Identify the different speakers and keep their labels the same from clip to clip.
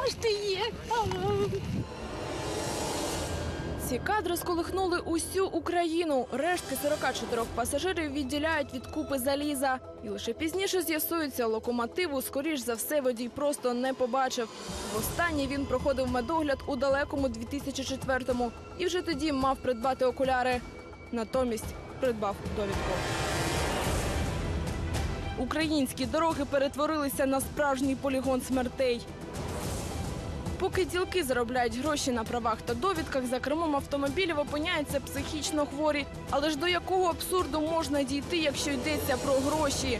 Speaker 1: ж ти є?
Speaker 2: Ці кадри сколихнули усю Україну. Рештки 44 пасажирів відділяють від купи заліза. І лише пізніше з'ясується, локомотиву, скоріш за все, водій просто не побачив. Востаннє він проходив медогляд у далекому 2004-му. І вже тоді мав придбати окуляри. Натомість придбав довідку. Українські дороги перетворилися на справжній полігон смертей. Поки ділки заробляють гроші на правах та довідках, за кермом автомобілів опиняються психічно хворі. Але ж до якого абсурду можна дійти, якщо йдеться про гроші?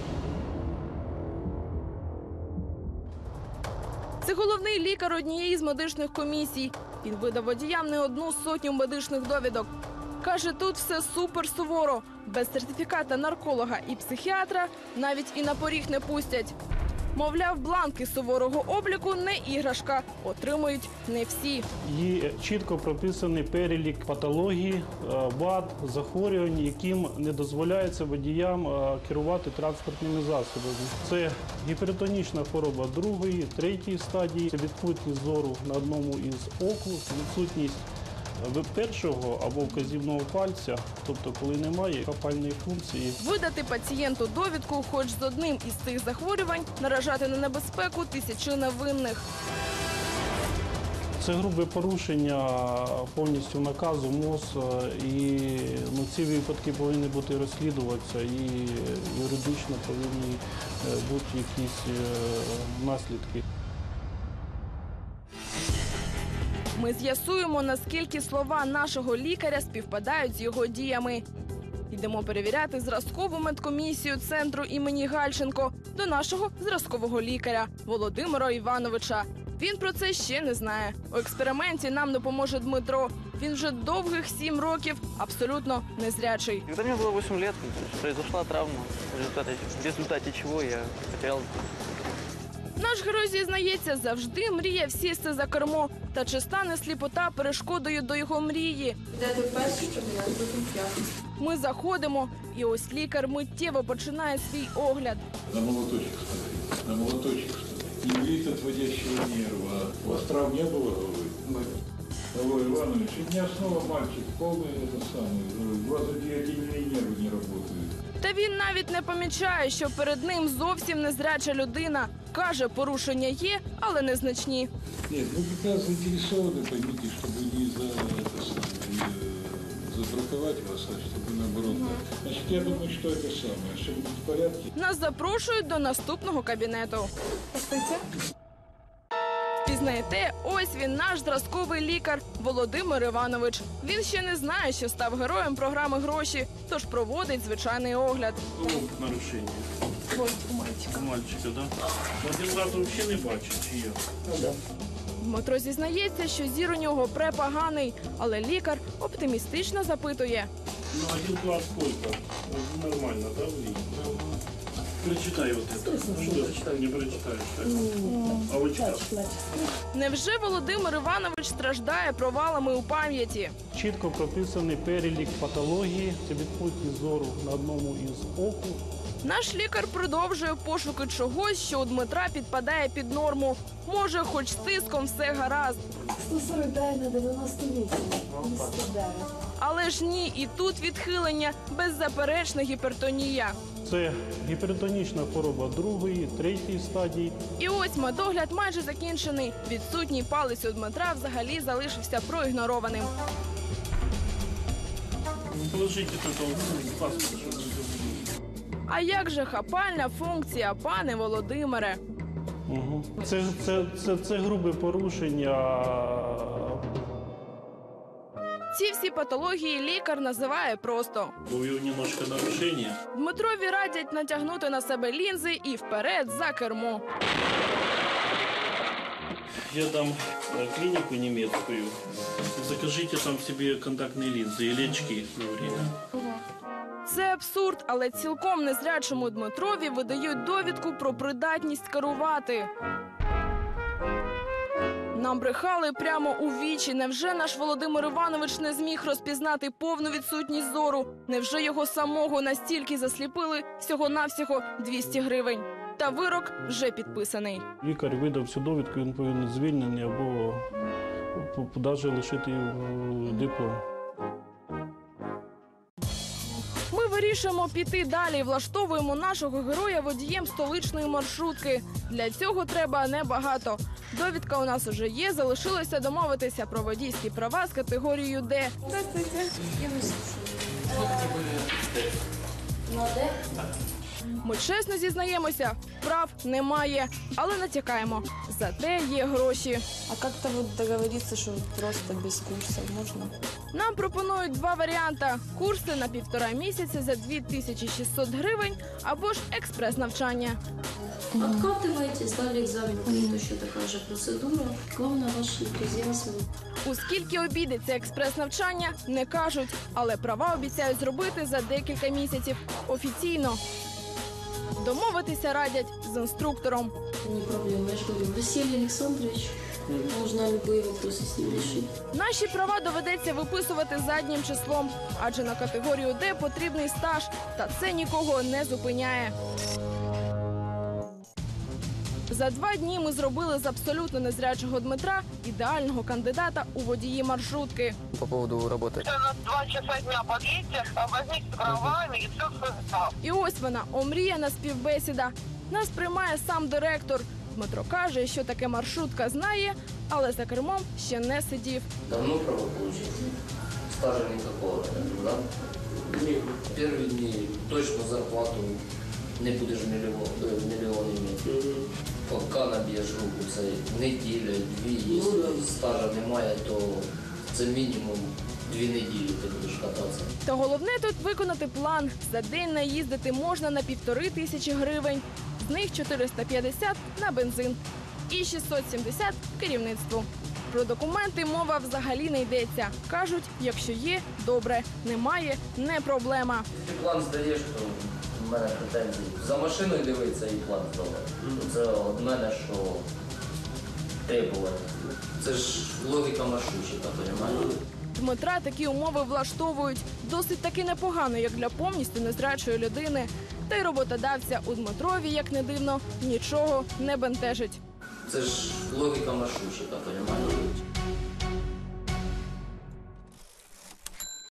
Speaker 2: Це головний лікар однієї з медичних комісій. Він видав водіям не одну сотню медичних довідок. Каже, тут все супер суворо. Без сертифіката нарколога і психіатра навіть і на поріг не пустять. Мовляв, бланки суворого обліку не іграшка. Отримують не всі.
Speaker 3: Є чітко прописаний перелік патологій, вад, захворювань, яким не дозволяється водіям керувати транспортними засобами. Це гіпертонічна хвороба 2-ї, 3-ї стадії, це відсутність зору на одному із оку, відсутність першого або вказівного пальця, тобто коли немає хапальної функції.
Speaker 2: Видати пацієнту довідку хоч з одним із цих захворювань, наражати на небезпеку тисячі невинних.
Speaker 3: Це грубе порушення повністю наказу МОЗ, і ці випадки повинні бути розслідуватися, і юридично повинні бути якісь наслідки.
Speaker 2: Ми з'ясуємо, наскільки слова нашого лікаря співпадають з його діями. Йдемо перевіряти зразкову медкомісію центру імені Гальченко до нашого зразкового лікаря Володимира Івановича. Він про це ще не знає. У експерименті нам допоможе Дмитро. Він вже довгих 7 років абсолютно незрячий.
Speaker 4: Когда мне было 8 лет, произошла травма, в результате чего я потерял.
Speaker 2: Наш герой зізнається, завжди мріяв сісти за кермо. Та чи стане сліпота перешкодою до його мрії?
Speaker 1: Де ти перший, щоб я потім п'ятий.
Speaker 2: Ми заходимо, і ось лікар миттєво починає свій огляд.
Speaker 5: На молоточек ставить, на молоточек ставить. Не болит отводящего нерва. У вас травм не было головы? Алло, Иванович, у меня снова мальчик, полный это самый, глазодиодинные нервы не работают.
Speaker 2: Та він навіть не помічає, що перед ним зовсім незряча людина. Каже, порушення є, але незначні.
Speaker 5: Нет, мы как раз заинтересованы, поймите, чтобы не забраковать вас, а чтобы наоборот. Значит, я думаю, что это самое, все будет в порядке.
Speaker 2: Нас запрошують до наступного кабінету. Пізнаєте, ось він, наш зразковий лікар Володимир Іванович. Він ще не знає, що став героєм програми «Гроші», тож проводить звичайний огляд.
Speaker 3: Нарушення.
Speaker 1: Ось у мальчика.
Speaker 3: Мальчика, да? Один раз взагалі не бачить, чи є?
Speaker 2: Дмитро зізнається, що зір у нього препоганий, але лікар оптимістично запитує.
Speaker 3: Ну, 1 класс сколько? Нормально, да, Вли? Прочитай вот это. Что? Не прочитаешь, так? А вот что?
Speaker 2: Невже Володимир Іванович страждає провалами у пам'яті?
Speaker 3: Чітко прописаний перелік патології, це відсутність зору на одному із оку.
Speaker 2: Наш лікар продовжує пошуки чогось, що у Дмитра підпадає під норму. Може, хоч з тиском все гаразд.
Speaker 1: 149 на 98. 209.
Speaker 2: Але ж ні, і тут відхилення, беззаперечна гіпертонія.
Speaker 3: Це гіпертонічна хвороба 2-ї, 3-ї стадії.
Speaker 2: І ось медогляд майже закінчений. Відсутній палець у Дмитра взагалі залишився проігнорованим.
Speaker 3: Положите тут паспорт, щоб не забули.
Speaker 2: А як же хапальна функція, пане Володимире?
Speaker 3: Угу. Це грубе порушення.
Speaker 2: Ці всі патології лікар називає просто.
Speaker 3: У нього немножко нарушення.
Speaker 2: Дмитрові радять натягнути на себе лінзи і вперед за кермо.
Speaker 3: Я дам клинику немецкую. Закажите там себе контактные линзы или очки на время.
Speaker 2: Це абсурд, але цілком незрячому Дмитрові видають довідку про придатність керувати. Нам брехали прямо у вічі. Невже наш Володимир Іванович не зміг розпізнати повну відсутність зору? Невже його самого настільки засліпили всього-навсього 200 гривень? Та вирок вже підписаний.
Speaker 3: Лікар видав цю довідку, він повинен звільнений або навіть лишити диплом.
Speaker 2: Ми вирішуємо піти далі і влаштовуємо нашого героя водієм столичної маршрутки. Для цього треба небагато. Довідка у нас уже є, залишилося домовитися про водійські права з категорією «Д».
Speaker 1: Здравствуйте.
Speaker 2: Ми чесно зізнаємося, прав немає, але натякаємо. Зате є гроші.
Speaker 1: А как-то вот договориться, что просто без курсов можно?
Speaker 2: Нам пропонують два варіанти – курси на 1,5 місяці за 2600 гривень або ж експрес-навчання.
Speaker 6: Откатываете, сдали экзамен, будет еще такая же процедура. Главное ваш энтузиазм.
Speaker 2: У скільки обійдеться експрес-навчання, не кажуть, але права обіцяють зробити за декілька місяців офіційно. Домовитися радять з інструктором.
Speaker 6: Не проблема, я же говорю, Василий Александрович, можно любые вопросы с ним решить.
Speaker 2: Наші права доведеться виписувати заднім числом, адже на категорію «Д» потрібний стаж, та це нікого не зупиняє. За 2 дні ми зробили з абсолютно незрячого Дмитра ідеального кандидата у водії маршрутки.
Speaker 4: По поводу работы.
Speaker 7: На 2 часа дня подъедьте, возьмите трамвай и все сюда.
Speaker 2: І ось вона, омріяна співбесіда. Нас приймає сам директор. Дмитро каже, що таке маршрутка знає, але за кермом ще не сидів.
Speaker 8: Давно право получить? Стажа никакого, да? Первые дни точно зарплату не будеш мільйон иметь. Поки наб'єш руку, це неділя, 2, якщо стажа немає, то це мінімум 2 неділі ти будеш кататися.
Speaker 2: Та головне тут виконати план. За день наїздити можна на 1500 гривень. З них 450 на бензин і 670 керівництву. Про документи мова взагалі не йдеться. Кажуть, якщо є – добре, немає – не проблема.
Speaker 8: Ти план здаєш, то в мене претензії. За машиною дивитися і план здавати. Це від мене, що требувати. Це ж логіка маршрутчика, розумієш?
Speaker 2: Дмитра такі умови влаштовують. Досить таки непогано, як для повністю незрячої людини. Та й роботодавця у Дмитрові, як не дивно, нічого не бентежить.
Speaker 8: Це ж логіка маршрутчика, розумієш?